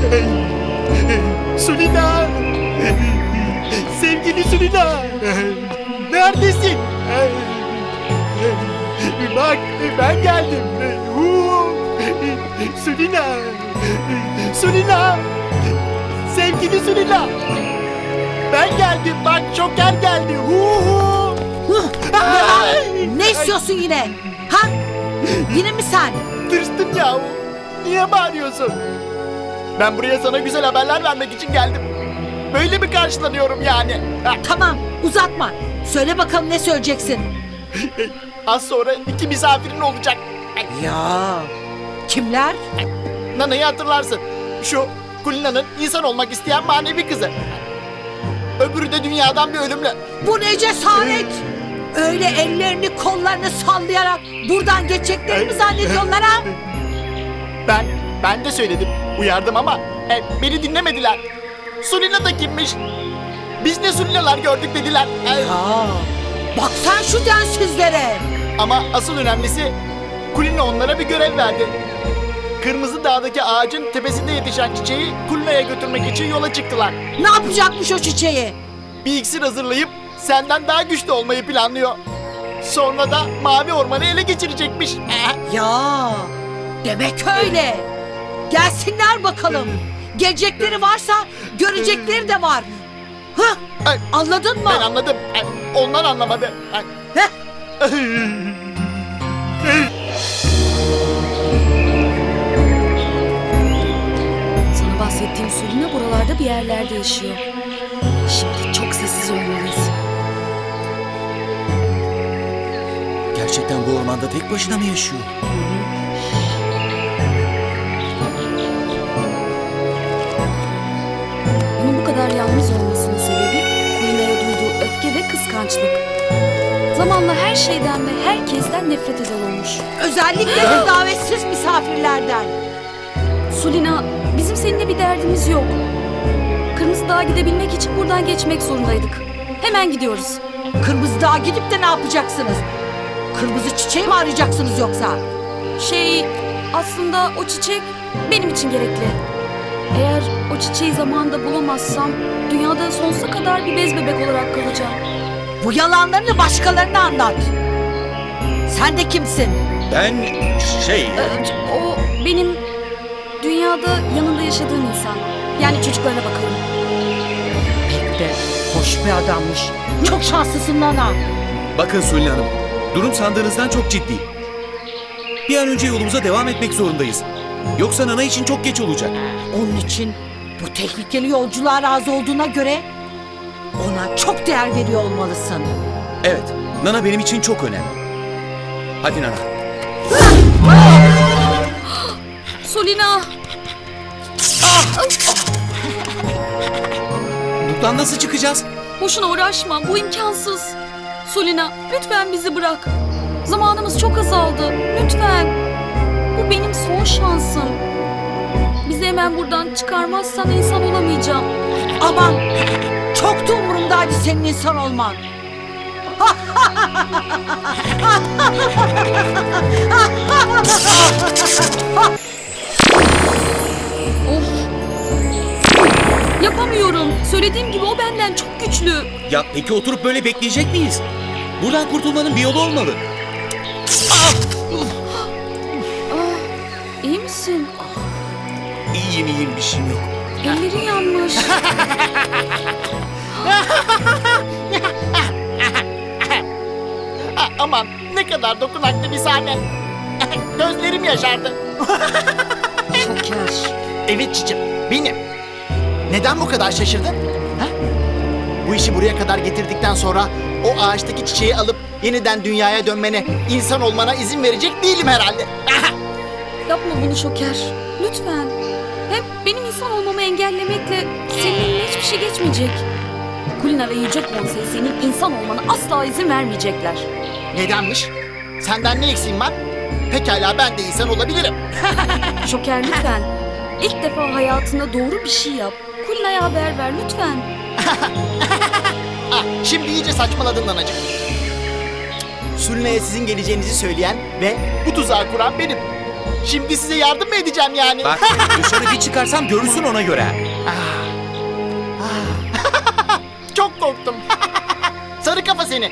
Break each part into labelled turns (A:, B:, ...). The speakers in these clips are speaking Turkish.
A: Sulina! Sevgili Sulina! Neredesin? Bak ben geldim. Sulina! Sulina! Sevgili Sulina! Ben geldim bak Joker geldi.
B: Ne istiyorsun yine? Ha? Yine mi sen?
A: Tırstım ya. Niye bağırıyorsun? Ben buraya sana güzel haberler vermek için geldim. Böyle mi karşılanıyorum yani?
B: Tamam uzatma. Söyle bakalım ne söyleyeceksin?
A: Az sonra 2 misafirin olacak.
B: Ya kimler?
A: Nana'yı hatırlarsın. Şu Kulina'nın insan olmak isteyen manevi kızı. Öbürü de dünyadan bir ölümlü.
B: Bu ne cesaret? Öyle ellerini kollarını sallayarak buradan geçeceklerini mi zannediyorlar ha?
A: Ben de söyledim. Uyardım ama beni dinlemediler. Sulina da kimmiş? Biz ne Sulinalar gördük dediler.
B: Ya bak sen şu densizlere.
A: Ama asıl önemlisi Kulina onlara bir görev verdi. Kırmızı Dağ'daki ağacın tepesinde yetişen çiçeği Kulina'ya götürmek için yola çıktılar.
B: Ne yapacakmış o çiçeği?
A: Bir iksir hazırlayıp senden daha güçlü olmayı planlıyor. Sonra da Mavi Orman'ı ele geçirecekmiş.
B: Ya demek öyle. Gelsinler bakalım. Gelecekleri varsa görecekleri de var. Hı? Anladın mı?
A: Ben anladım. Onlar anlamadı.
B: Heh.
C: Sana bahsettiğim Sulina buralarda bir yerlerde yaşıyor. Şimdi çok sessiz olmalıyız.
D: Gerçekten bu ormanda tek başına mı yaşıyor?
C: Onun bu kadar yalnız olmasının sebebi Kulina'ya duyduğu öfke ve kıskançlık. Zamanla her şeyden ve herkesten nefret eder olmuş.
B: Özellikle de davetsiz misafirlerden.
C: Sulina, bizim seninle bir derdimiz yok. Kırmızı Dağ'a gidebilmek için buradan geçmek zorundaydık. Hemen gidiyoruz.
B: Kırmızı Dağ'a gidip de ne yapacaksınız? Kırmızı çiçeği mi arayacaksınız yoksa?
C: Aslında o çiçek benim için gerekli. Eğer o çiçeği zamanında bulamazsam dünyada sonsuza kadar bir bez bebek olarak kalacağım.
B: Bu yalanlarını başkalarına anlat. Sen de kimsin?
D: Ben
C: O benim dünyada yanında yaşadığım insan. Yani çocuklarına bakalım.
B: Pek de hoş bir adammış. Çok şanslısın Nana.
D: Bakın Sulin Hanım, durum sandığınızdan çok ciddi. Bir an önce yolumuza devam etmek zorundayız. Yoksa Nana için çok geç olacak.
B: Onun için bu tehlikeli yolculuğa razı olduğuna göre ona çok değer veriyor olmalısın.
D: Evet, Nana benim için çok önemli. Hadi Nana.
C: Sulina!
D: Buradan nasıl çıkacağız?
C: Boşuna uğraşma, bu imkansız. Sulina, lütfen bizi bırak. Zamanımız çok azaldı, lütfen. Bu benim son şansım. Bizi hemen buradan çıkarmazsan insan olamayacağım.
B: Aman çok da umurumdaydı senin insan olman.
C: Of! Yapamıyorum. Söylediğim gibi o benden çok güçlü.
D: Ya peki oturup böyle bekleyecek miyiz? Buradan kurtulmanın bir yolu olmalı.
C: İyi misin?
D: İyiyim bir şeyim yok.
C: Ellerin yanmış.
A: Aman ne kadar dokunaklı bir sahne. Gözlerim yaşardı.
C: Şoker.
A: Evet cicim, benim. Neden bu kadar şaşırdın? Ha? Bu işi buraya kadar getirdikten sonra o ağaçtaki çiçeği alıp yeniden dünyaya dönmene, insan olmana izin verecek değilim herhalde.
C: Yapma bunu Şoker. Lütfen. Hem benim insan olmamı engellemekle senin eline hiçbir şey geçmeyecek. Kulina ve Yüce Konsey senin insan olmana asla izin vermeyecekler.
A: Nedenmiş? Senden ne eksiğim var? Pekala ben de insan olabilirim.
C: Şoker lütfen. İlk defa hayatında doğru bir şey yap. Kulina'ya haber ver lütfen.
A: Şimdi iyice saçmaladın Nanacığım. Sülne'ye sizin geleceğinizi söyleyen ve bu tuzağı kuran benim. Şimdi size yardım mı edeceğim yani?
D: Bak dışarı bir çıkarsam görürsün ona göre.
A: Çok korktum. Sarı kafa seni.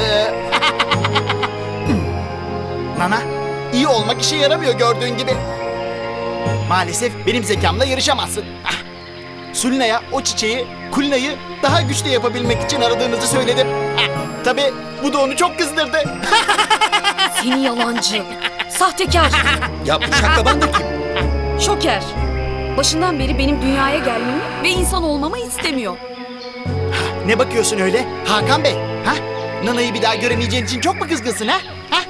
A: Nana, iyi olmak işe yaramıyor gördüğün gibi. Maalesef benim zekamla yarışamazsın. Sulina'ya o çiçeği, Kulina'yı daha güçlü yapabilmek için aradığınızı söyledim. Tabii bu da onu çok kızdırdı.
C: Seni yalancı. Sahtekar.
D: Ya bu şaklaban da kim?
C: Şoker. Başından beri benim dünyaya gelmemi ve insan olmamı istemiyor.
A: Ne bakıyorsun öyle Hakan Bey? Ha? Nana'yı bir daha göremeyeceğin için çok mu kızgınsın ha?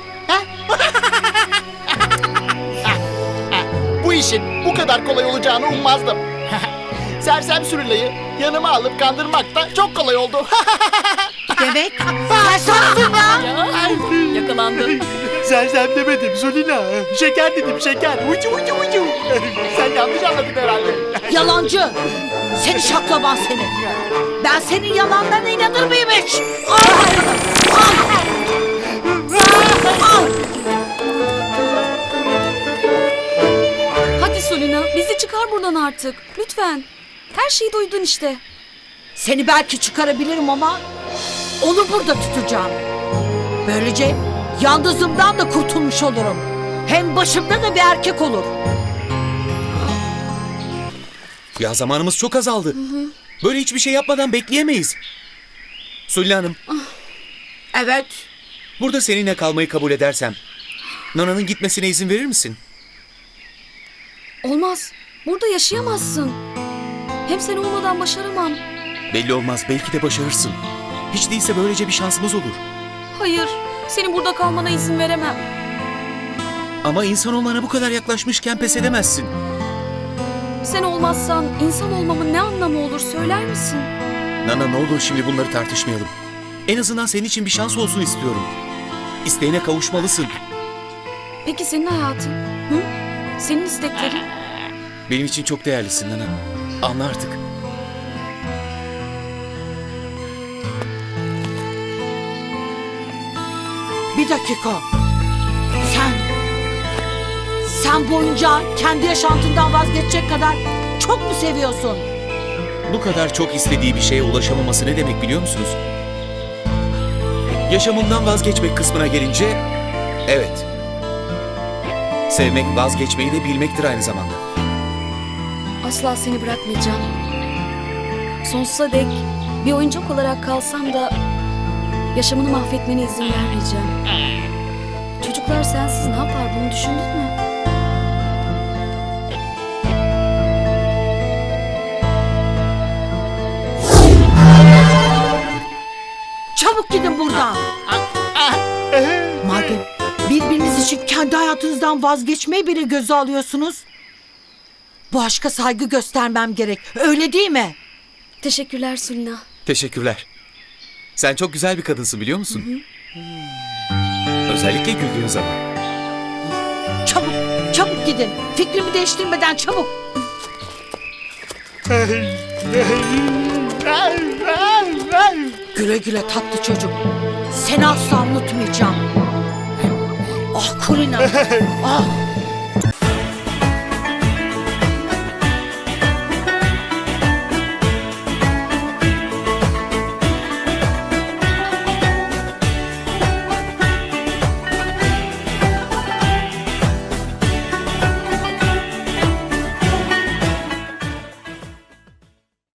A: Bu işin bu kadar kolay olacağını ummazdım. Sersem Sulina'yı yanıma alıp kandırmak da çok kolay oldu.
B: Demek sensin ya.
C: Yakalandı.
A: Sersem demedim Sulina. Şeker dedim şeker. Ucu ucu ucu. Sen yanlış anladın herhalde.
B: Yalancı. Seni şaklaban seni. Ben senin yalanlarına inanır mıyım hiç?
C: Hadi Sulina, bizi çıkar buradan artık. Lütfen. Her şeyi duydun işte.
B: Seni belki çıkarabilirim ama onu burada tutacağım. Böylece yalnızlığımdan da kurtulmuş olurum. Hem başımda da bir erkek olur.
D: Ya zamanımız çok azaldı. Böyle hiçbir şey yapmadan bekleyemeyiz. Sulli Hanım,
B: Evet.
D: burada seninle kalmayı kabul edersem Nana'nın gitmesine izin verir misin?
C: Olmaz. Burada yaşayamazsın. Hem sen olmadan başaramam.
D: Belli olmaz, belki de başarırsın. Hiç değilse böylece bir şansımız olur.
C: Hayır, senin burada kalmana izin veremem.
D: Ama insan olmana bu kadar yaklaşmışken pes edemezsin.
C: Sen olmazsan insan olmamın ne anlamı olur söyler misin?
D: Nana ne olur şimdi bunları tartışmayalım. En azından senin için bir şans olsun istiyorum. İsteğine kavuşmalısın.
C: Peki senin hayatın? Hı? Senin isteklerin?
D: Benim için çok değerlisin Nana. Anla artık.
B: Bir dakika. Sen boyunca kendi yaşantından vazgeçecek kadar çok mu seviyorsun?
D: Bu kadar çok istediği bir şeye ulaşamaması ne demek biliyor musunuz? Yaşamından vazgeçmek kısmına gelince, evet. Sevmek vazgeçmeyi de bilmektir aynı zamanda.
C: Asla seni bırakmayacağım. Sonsuza dek bir oyuncak olarak kalsam da yaşamını mahvetmene izin vermeyeceğim. Çocuklar sensiz ne yapar bunu düşündün mü?
B: Çabuk gidin buradan. Madem birbiriniz için kendi hayatınızdan vazgeçmeyi bile göze alıyorsunuz, bu aşka saygı göstermem gerek. Öyle değil mi?
C: Teşekkürler Sulina.
D: Teşekkürler. Sen çok güzel bir kadınsın biliyor musun? Özellikle güldüğün zaman.
B: Çabuk, çabuk gidin. Fikrimi değiştirmeden çabuk. Güle güle tatlı çocuk. Seni asla unutmayacağım. Ah Kulina. Ah.